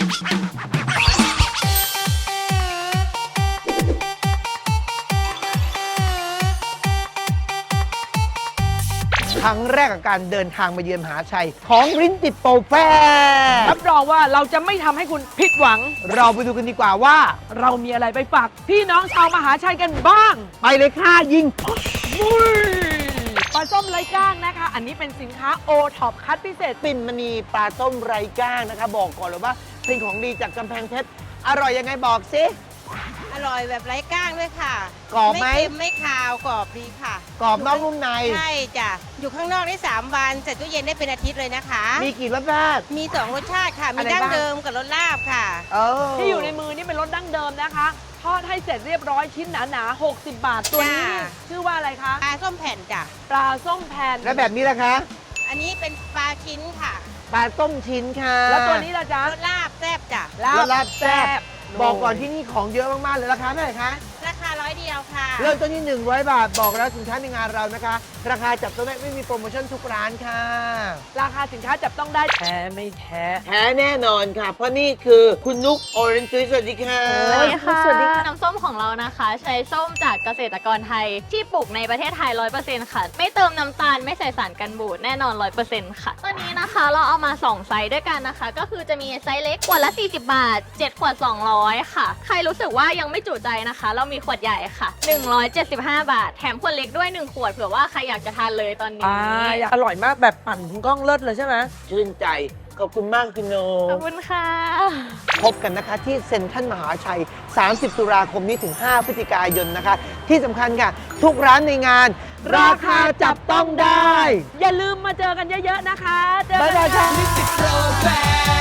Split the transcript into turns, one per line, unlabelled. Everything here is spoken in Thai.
ครั้งแรกกับการเดินทางมาเยือนมหาชัยของริ้นติดโปรแฟร์
รับรองว่าเราจะไม่ทำให้คุณผิดหวัง
เราไปดูกันดีกว่าว่า
เรามีอะไรไปฝากพี่น้องชาวมหาชัยกันบ้าง
ไปเลยค่ะยิง
ปลาส้มไร้ก้างนะคะ อันนี้เป็นสินค้าโอท็อปคัดพิเศษ
ปิ่นมณีปลาส้มไร้ก้างนะคะ บอกก่อนเลยว่าเป็นของดีจากกำแพงเพชรอร่อยยังไงบอกสิ
อร่อยแบบไร้ก้างด้วยค่ะ
กรอบไหม
ไม่เค็มไม่คาวกรอบดีค่ะ
กรอบนอกนุ่มใน
ใช่จ้ะ อยู่ข้างนอกได้ 3 วันใส่ตู้เย็นได้เป็นอาทิตย์เลยนะคะ
มีกี่รสชาติ
มี 2 รสชาติค่ะ มี
อะไร
ดั้ง
บ้าง
เดิมกับรสลาบค่ะ
ที่อยู่ในมือนี่เป็นรสดั้งเดิมนะคะ ทอดให้เสร็จเรียบร้อยชิ้นหนาๆ60 บาท ตัวนี้
จ้า
ชื่อว่าอะไรคะ
ปลาส้มแผ่นจ้ะ
ปลาส้มแผ่น
แล้วแบบนี้ล่ะคะ
อันนี้เป็นปลาชิ้นค่ะ
ปลาต้มชิ้นค่ะ
แล้วตัวนี้ล่ะจ๊ะ
รสลาบแซ่บจ้ะ
รสลาบแซ่บ
โ
บอกก่อนที่นี่ของเยอะมากๆเลยราคาเท่าไหร่คะ
ราคา100 เดียวค่ะ
เริ่มต้นที่100 บาทบอกแล้วสินค้าในงานเรานะคะ ราคาจับต้องได้ไม่มีโปรโมชั่นทุกร้านค่ะ
ราคาสินค้าจับต้องได้แท้ไม่แท้
แท้แน่นอนค่ะ เพราะนี่คือคุณนุกออเรนจ์สวัสดีค่ะ
สวัสดีค่ะ
สวัสดีค่ะ
น้ำส้มของเรานะคะ ใช้ส้มจากเกษตรกรไทย ที่ปลูกในประเทศไทย 100%ค่ะ ไม่เติมน้ำตาลไม่ใส่สารกันบูดแน่นอน 100%ค่ะตอนนี้นะคะเราเอามา2ไซส์ด้วยกันนะคะ ก็คือจะมีไซส์เล็กขวดละ40 บาท 7 ขวด 200 ค่ะ ใครรู้สึกว่ายังไม่จุใจนะคะ เรามีขวดใหญ่ค่ะ 175 บาท แถมขวดเล็กด้วย 1 ขวดเผื่อว่าใครอยากจะทานเลยตอนนี้
อร่อยมากแบบปั่นคุณก้องเลิศเลยใช่ไหม
ชื่นใจ ขอบคุณมากคุณโน
ขอบคุณค่ะ
พบกันนะคะที่เซ็นทรัลมหาชัย 30 ตุลาคมนี้ถึง 5 พฤศจิกายนนะคะ ที่สำคัญค่ะ ทุกร้านในงาน ราคาจับต้องได้
อย่าลืมมาเจอกันเยอะๆนะคะเจอ
บ๊าย
กัน
บาย
ค่ะ
ค่ะ